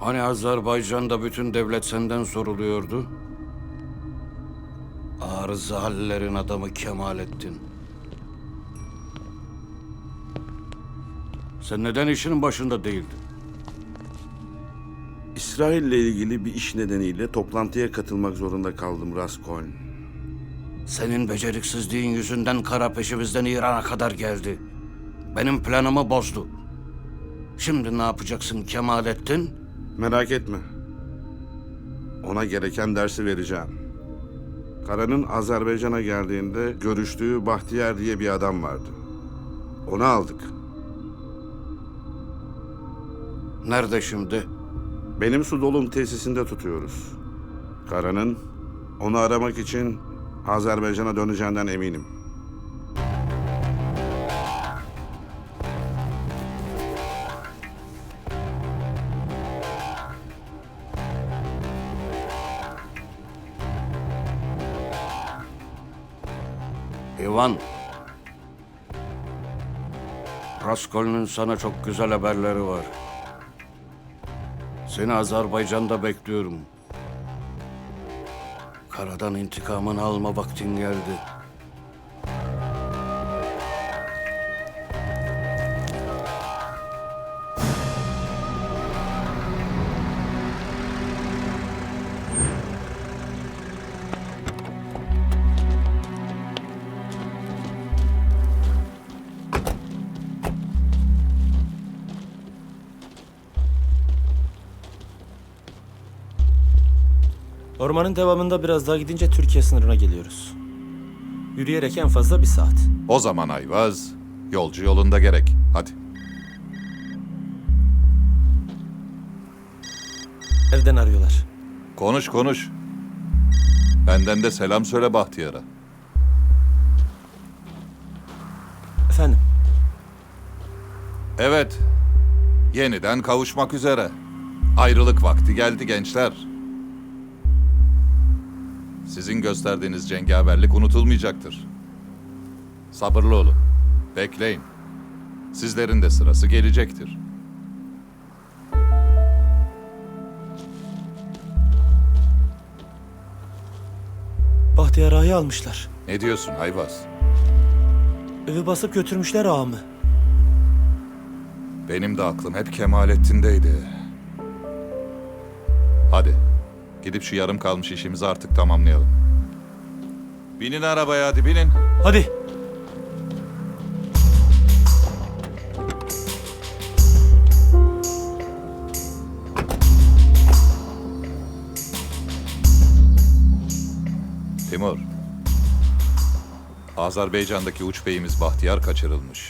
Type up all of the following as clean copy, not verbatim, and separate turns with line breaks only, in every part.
Hani Azerbaycan'da bütün devlet senden soruluyordu? Arıza hallerin adamı Kemalettin. Sen neden işinin başında değildin?
İsrail'le ilgili bir iş nedeniyle toplantıya katılmak zorunda kaldım Raskoln.
Senin beceriksizliğin yüzünden kara peşimizden İran'a kadar geldi. Benim planımı bozdu. Şimdi ne yapacaksın Kemalettin?
Merak etme. Ona gereken dersi vereceğim. Kara'nın Azerbaycan'a geldiğinde görüştüğü Bahtiyar diye bir adam vardı. Onu aldık.
Nerede şimdi?
Benim su dolum tesisinde tutuyoruz. Kara'nın onu aramak için Azerbaycan'a döneceğinden eminim.
İvan. Raskol'un sana çok güzel haberleri var. Seni Azerbaycan'da bekliyorum. Karadan intikamını alma vaktin geldi.
Ormanın devamında biraz daha gidince Türkiye sınırına geliyoruz. Yürüyerek en fazla 1 saat.
O zaman Ayvaz, yolcu yolunda gerek. Hadi.
Evden arıyorlar.
Konuş konuş. Benden de selam söyle Bahtiyar'a.
Efendim,
Evet, yeniden kavuşmak üzere. Ayrılık vakti geldi gençler. Sizin gösterdiğiniz cengaverlik unutulmayacaktır. Sabırlı olun, bekleyin. Sizlerin de sırası gelecektir.
Bahtiyar Ağa'yı almışlar.
Ne diyorsun Ayvaz?
Evi basıp götürmüşler ağamı.
Benim de aklım hep Kemalettin'deydi. Hadi, gidip şu yarım kalmış işimizi artık tamamlayalım. Binin arabaya hadi binin.
Hadi.
Timur. Azerbaycan'daki uç beyimiz Bahtiyar kaçırılmış.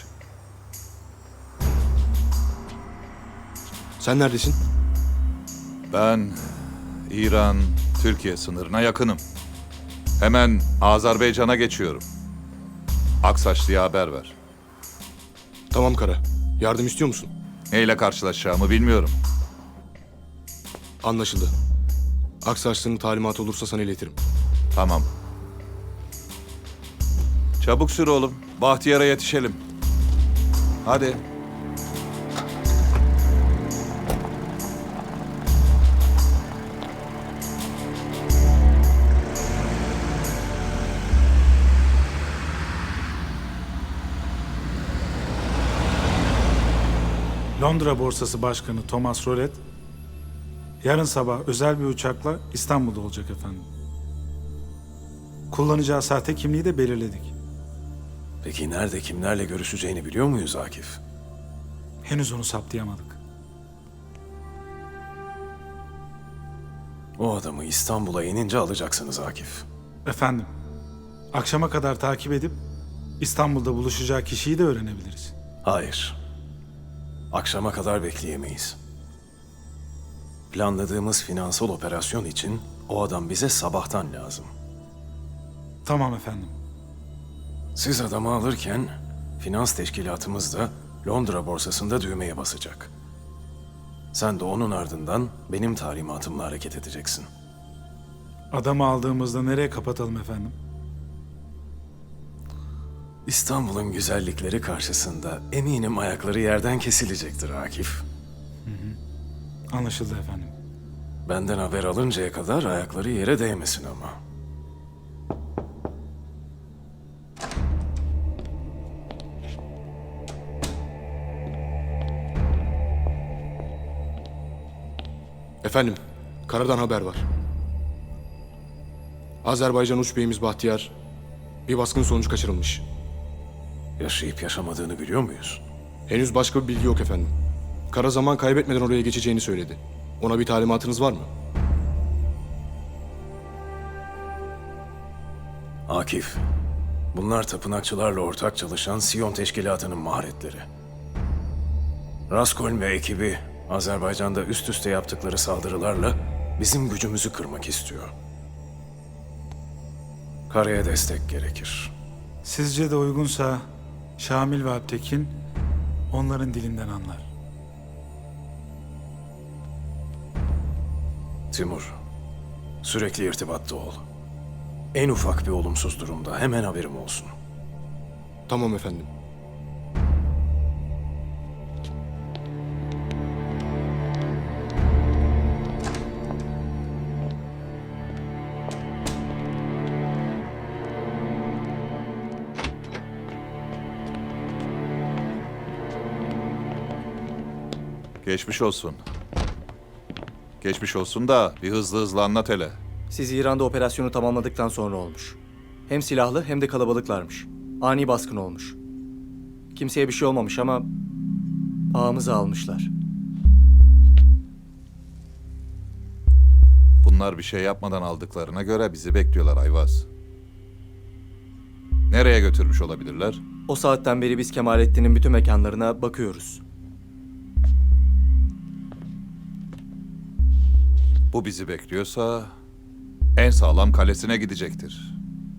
Sen neredesin?
Ben İran, Türkiye sınırına yakınım. Hemen Azerbaycan'a geçiyorum. Aksaçlı'ya haber ver.
Tamam Kara. Yardım istiyor musun?
Neyle karşılaşacağımı bilmiyorum.
Anlaşıldı. Aksaçlı'nın talimatı olursa sana iletirim.
Tamam. Çabuk sür oğlum. Bahtiyar'a yetişelim. Hadi.
Londra Borsası Başkanı Thomas Rollet, yarın sabah özel bir uçakla İstanbul'da olacak efendim. Kullanacağı sahte kimliği de belirledik.
Peki nerede kimlerle görüşeceğini biliyor muyuz Akif?
Henüz onu saptayamadık.
O adamı İstanbul'a inince alacaksınız Akif.
Efendim, akşama kadar takip edip İstanbul'da buluşacağı kişiyi de öğrenebiliriz.
Hayır. Akşama kadar bekleyemeyiz. Planladığımız finansal operasyon için o adam bize sabahtan lazım.
Tamam efendim.
Siz adamı alırken finans teşkilatımız da Londra borsasında düğmeye basacak. Sen de onun ardından benim talimatımla hareket edeceksin.
Adamı aldığımızda nereye kapatalım efendim?
İstanbul'un güzellikleri karşısında eminim ayakları yerden kesilecektir Akif.
Anlaşıldı efendim.
Benden haber alıncaya kadar ayakları yere değmesin ama.
Efendim, karadan haber var. Azerbaycan uç beyimiz Bahtiyar bir baskın sonucu kaçırılmış.
Yaşayıp yaşamadığını biliyor muyuz?
Henüz başka bir bilgi yok efendim. Kara zaman kaybetmeden oraya geçeceğini söyledi. Ona bir talimatınız var mı?
Akif, bunlar tapınakçılarla ortak çalışan Siyon Teşkilatı'nın maharetleri. Raskoln ve ekibi Azerbaycan'da üst üste yaptıkları saldırılarla bizim gücümüzü kırmak istiyor. Karaya destek gerekir.
Sizce de uygunsa Şamil ve Alptekin onların dilinden anlar.
Timur, sürekli irtibatta ol. En ufak bir olumsuz durumda hemen haberim olsun.
Tamam efendim.
Geçmiş olsun. Geçmiş olsun da bir hızlı anlat hele.
Siz İran'da operasyonu tamamladıktan sonra olmuş. Hem silahlı hem de kalabalıklarmış. Ani baskın olmuş. Kimseye bir şey olmamış ama ağamızı almışlar.
Bunlar bir şey yapmadan aldıklarına göre bizi bekliyorlar Ayvaz. Nereye götürmüş olabilirler?
O saatten beri biz Kemalettin'in bütün mekanlarına bakıyoruz.
Bu bizi bekliyorsa en sağlam kalesine gidecektir.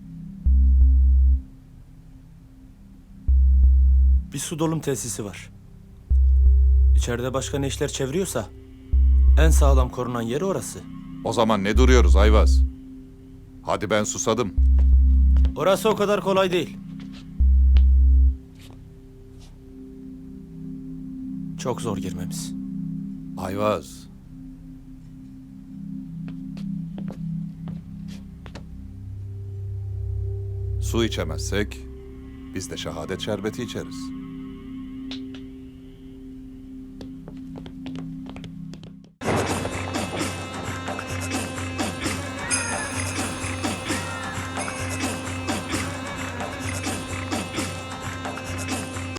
Bir su dolum tesisi var. İçeride başka ne işler çeviriyorsa en sağlam korunan yeri orası.
O zaman ne duruyoruz Ayvaz? Hadi ben susadım.
Orası o kadar kolay değil. Çok zor girmemiz.
Ayvaz. Su içemezsek biz de şehadet şerbeti içeriz.